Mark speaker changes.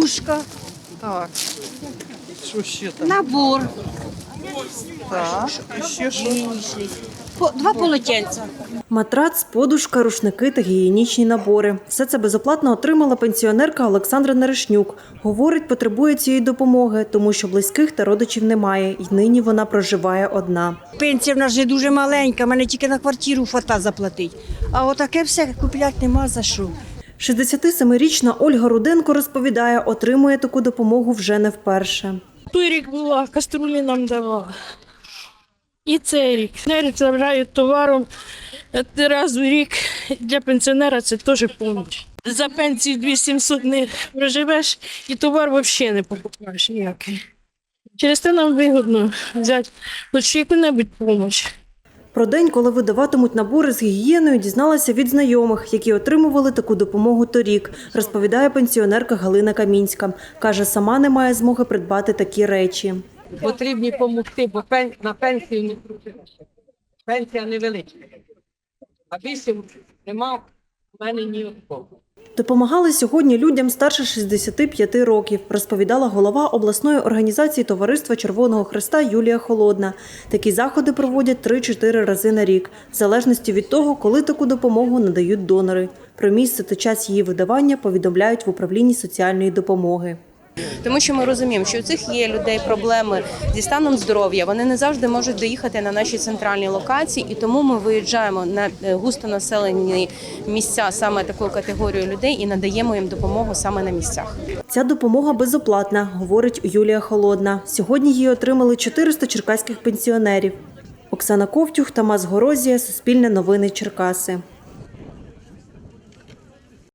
Speaker 1: подушка,
Speaker 2: Так. Що ще там?
Speaker 1: набор,
Speaker 2: Так. І ще що?
Speaker 1: два полотенця.
Speaker 3: Матрац, подушка, рушники та гігієнічні набори. Все це безоплатно отримала пенсіонерка Олександра Нарешнюк. Говорить, потребує цієї допомоги, тому що близьких та родичів немає. І нині вона проживає одна.
Speaker 1: Пенсія в нас вже дуже маленька, мене тільки на квартиру фата заплатить. А отаке все купляти нема за що.
Speaker 3: 67-річна Ольга Руденко розповідає, отримує таку допомогу вже не вперше.
Speaker 4: Той рік була, каструлі нам давала. І цей рік. Пенсіонери забирають товаром раз в рік. Для пенсіонера це теж допомога. За пенсію 2700 не проживеш і товар взагалі не покупаєш ніякий. Через це нам вигідно взяти хоч яку-небудь допомогу.
Speaker 3: Про день, коли видаватимуть набори з гігієною, дізналася від знайомих, які отримували таку допомогу торік, розповідає пенсіонерка Галина Камінська. Каже, сама не має змоги придбати такі речі.
Speaker 5: Потрібні допомогти, бо на пенсію не крутилася. Пенсія невеличка. А більше нема в мене ні одного.
Speaker 3: Допомагали сьогодні людям старше 65 років, розповідала голова обласної організації Товариства Червоного Хреста Юлія Холодна. Такі заходи проводять 3-4 рази на рік, в залежності від того, коли таку допомогу надають донори. Про місце та час її видавання повідомляють в управлінні соціальної допомоги.
Speaker 6: Тому що ми розуміємо, що у цих є людей проблеми зі станом здоров'я, вони не завжди можуть доїхати на наші центральні локації, і тому ми виїжджаємо на густонаселені місця саме такої категорії людей і надаємо їм допомогу саме на місцях.
Speaker 3: Ця допомога безоплатна, говорить Юлія Холодна. Сьогодні її отримали 400 черкаських пенсіонерів. Оксана Ковтюх, Тамас Горозія, Суспільне новини, Черкаси.